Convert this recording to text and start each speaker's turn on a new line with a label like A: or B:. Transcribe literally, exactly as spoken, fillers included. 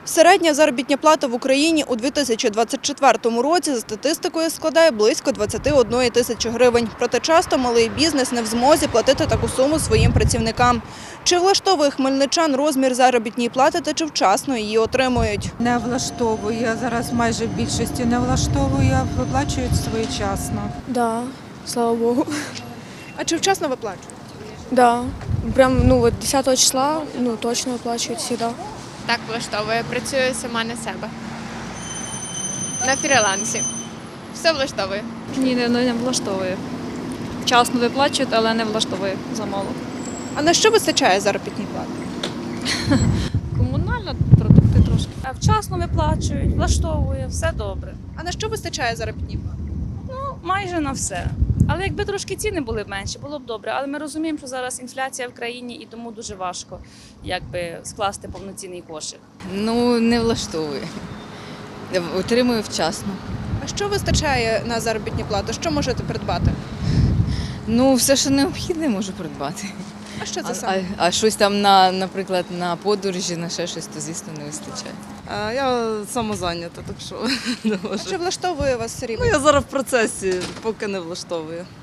A: Середня заробітна плата в Україні у дві тисячі двадцять четвертому році за статистикою складає близько двадцять одна тисяча гривень. Проте часто малий бізнес не в змозі платити таку суму своїм працівникам. Чи влаштовує хмельничан розмір заробітної плати та чи вчасно її отримують?
B: Не влаштовує, зараз майже в більшості не влаштовує, виплачують своєчасно.
C: Да, слава Богу.
A: А чи вчасно виплачують?
C: Да. Прям ну от десятого числа ну точно оплачують всегда.
D: Так влаштовує, працюю сама на себе. На фрілансі. Все влаштовує.
E: Ні, не, не влаштовує. Вчасно виплачують, але не влаштовує замало.
A: А на що вистачає заробітної плати?
E: Комунальна продукти трошки.
F: А вчасно виплачують, влаштовує, все добре.
A: А на що вистачає заробітної плати?
F: Ну, майже на все. Але якби трошки ціни були б менші, було б добре. Але ми розуміємо, що зараз інфляція в країні і тому дуже важко якби скласти повноцінний кошик.
G: Ну, не влаштовує. Отримую вчасно.
A: А що вистачає на заробітну плату? Що можете придбати?
G: Ну, все, що необхідне, можу придбати.
A: А що це
G: А,
A: саме?
G: а, а щось там, на, наприклад, на подорожі, на ще щось, то, звісно, не вистачає.
H: А я самозайнята, так що не
A: А
H: можу.
A: чи влаштовує вас
H: Ну,
A: рівень?
H: я зараз в процесі, поки не влаштовую.